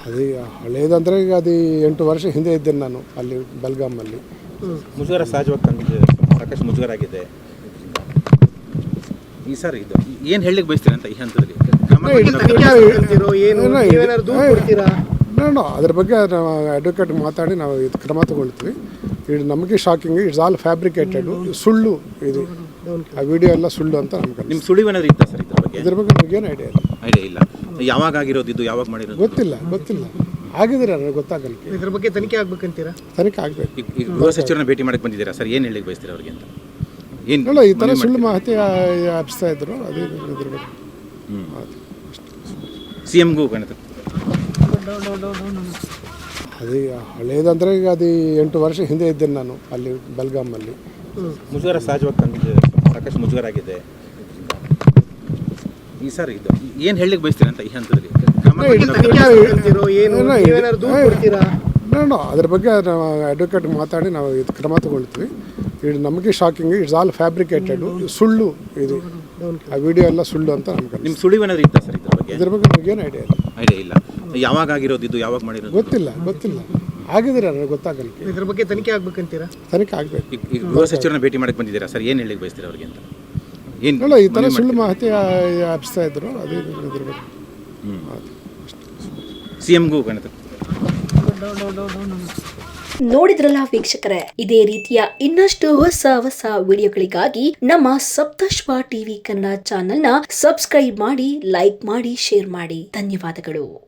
ಅದು ಹಳೇದಂದರೆ ಈಗ ಅದು 8 ವರ್ಷ ಹಿಂದೆ ಇದ್ದೇನೆ ನಾನು ಅಲ್ಲಿ ಬೆಲ್ಗಾಮಲ್ಲಿ. ಮುಜುಗರ ಸಹಜವಾಗಿ ತಂದಿದೆ, ಸಾಕಷ್ಟು ಮುಜುಗರ ಆಗಿದೆ ಈ ಸರ್. ಇದು ಏನು ಹೇಳಲಿಕ್ಕೆ ಬಯಸ್ತೀರಿ ಅಂತ ಈ ಹಂತದಲ್ಲಿ? ಅದ್ರ ಬಗ್ಗೆ ನಾವು ಅಡ್ವೊಕೇಟ್ ಮಾತಾಡಿ ನಾವು ಇದು ಕ್ರಮ ತಗೊಳ್ತೀವಿ. ಇದು ನಮಗೆ ಶಾಕಿಂಗ್, ಇಟ್ಸ್ ಆಲ್ ಫ್ಯಾಬ್ರಿಕೇಟೆಡ್, ಸುಳ್ಳು ಇದು. ಆ ವಿಡಿಯೋ ಎಲ್ಲ ಸುಳ್ಳು ಅಂತ ನಮ್ಗೆ. ನಿಮ್ಮ ಸುಳಿವು ಏನಾದ್ರು ಇತ್ತಾ ಸರ್ ಇದ್ರ ಬಗ್ಗೆ ನಮಗೇನು ಐಡಿಯಾ ಇಲ್ಲ. ಯಾವಾಗ ಆಗಿರೋದು ಇದು, ಯಾವಾಗ ಮಾಡಿರೋದು ಗೊತ್ತಿಲ್ಲ. ಆಗಿದ್ರೆ ನನಗೆ ಗೊತ್ತಾಗಲ್ಲ. ಇದ್ರ ಬಗ್ಗೆ ತನಿಖೆ ಆಗ್ಬೇಕಂತೀರಾ? ತನಿಖೆ ಆಗಬೇಕು. ಈಗ ಗೃಹ ಸಚಿವರನ್ನ ಭೇಟಿ ಮಾಡಕ್ಕೆ ಬಂದಿದ್ದೀರಾ ಸರ್, ಏನು ಹೇಳಲಿಕ್ಕೆ ಬಯಸ್ತೀರಾ ಅವ್ರಿಗೆ ಅಂತ? ಏನು ಈ ಥರ ಸುಳ್ಳು ಮಾಹಿತಿ ಹಬ್ಸ್ತಾ ಇದ್ರು, ಅದೇ ಇದ್ರ ಬಗ್ಗೆ. CMಗೂ ಅದು ಹಳೇದಂದರೆ ಈಗ ಅದು 8 ವರ್ಷ ಹಿಂದೆ ಇದ್ದೇನೆ ನಾನು ಅಲ್ಲಿ ಬೆಲ್ಗಾಮಲ್ಲಿ. ಮುಜುಗರ ಸಹಜವಾಗಿ ತಂದಿದೆ, ಸಾಕಷ್ಟು ಮುಜುಗರ ಆಗಿದೆ ಈ ಸರ್. ಇದು ಏನು ಹೇಳಲಿಕ್ಕೆ ಬಯಸ್ತೀರಿ ಅಂತ ಈ ಹಂತದಲ್ಲಿ? ಅದ್ರ ಬಗ್ಗೆ ನಾವು ಅಡ್ವೊಕೇಟ್ ಮಾತಾಡಿ ನಾವು ಇದು ಕ್ರಮ ತಗೊಳ್ತೀವಿ. ಇದು ನಮಗೆ ಶಾಕಿಂಗ್, ಇಟ್ಸ್ ಆಲ್ ಫ್ಯಾಬ್ರಿಕೇಟೆಡ್, ಸುಳ್ಳು ಇದು. ಆ ವಿಡಿಯೋ ಎಲ್ಲ ಸುಳ್ಳು ಅಂತ ನಮ್ಗೆ. ನಿಮ್ಮ ಸುಳಿವು ಏನಾದ್ರು ಇತ್ತಾ ಸರ್ ಇದ್ರ ಬಗ್ಗೆ ನಮಗೇನು ಐಡಿಯಾ ಇಲ್ಲ. ಯಾವಾಗ ಆಗಿರೋದು ಇದು, ಯಾವಾಗ ಮಾಡಿರೋದು ಗೊತ್ತಿಲ್ಲ. ಆಗಿದ್ರೆ ನನಗೆ ಗೊತ್ತಾಗಲ್ಲ. ಇದ್ರ ಬಗ್ಗೆ ತನಿಖೆ ಆಗ್ಬೇಕಂತೀರಾ? ತನಿಖೆ ಆಗಬೇಕು. ಈಗ ಗೃಹ ಸಚಿವರನ್ನ ಭೇಟಿ ಮಾಡಕ್ಕೆ ಬಂದಿದ್ದೀರಾ ಸರ್, ಏನು ಹೇಳಲಿಕ್ಕೆ ಬಯಸ್ತೀರಾ ಅವ್ರಿಗೆ ಅಂತ? ಈ ಥರ ಸುಳ್ಳು ಮಾಹಿತಿ ಹಬ್ಸ್ತಾ ಇದ್ರು, ಅದೇ ಇದ್ರ ಬಗ್ಗೆ. CMಗೂ ನೋಡಿದ್ರಲ್ಲ ವೀಕ್ಷಕರೇ, ಇದೇ ರೀತಿಯ ಇನ್ನಷ್ಟು ಹೊಸ ವಿಡಿಯೋಗಳಿಗಾಗಿ ನಮ್ಮ ಸಪ್ತಶ್ವ ಟಿವಿ ಕನ್ನಡ ಚಾನೆಲ್ನ ಸಬ್ಸ್ಕ್ರೈಬ್ ಮಾಡಿ, ಲೈಕ್ ಮಾಡಿ, ಶೇರ್ ಮಾಡಿ. ಧನ್ಯವಾದಗಳು.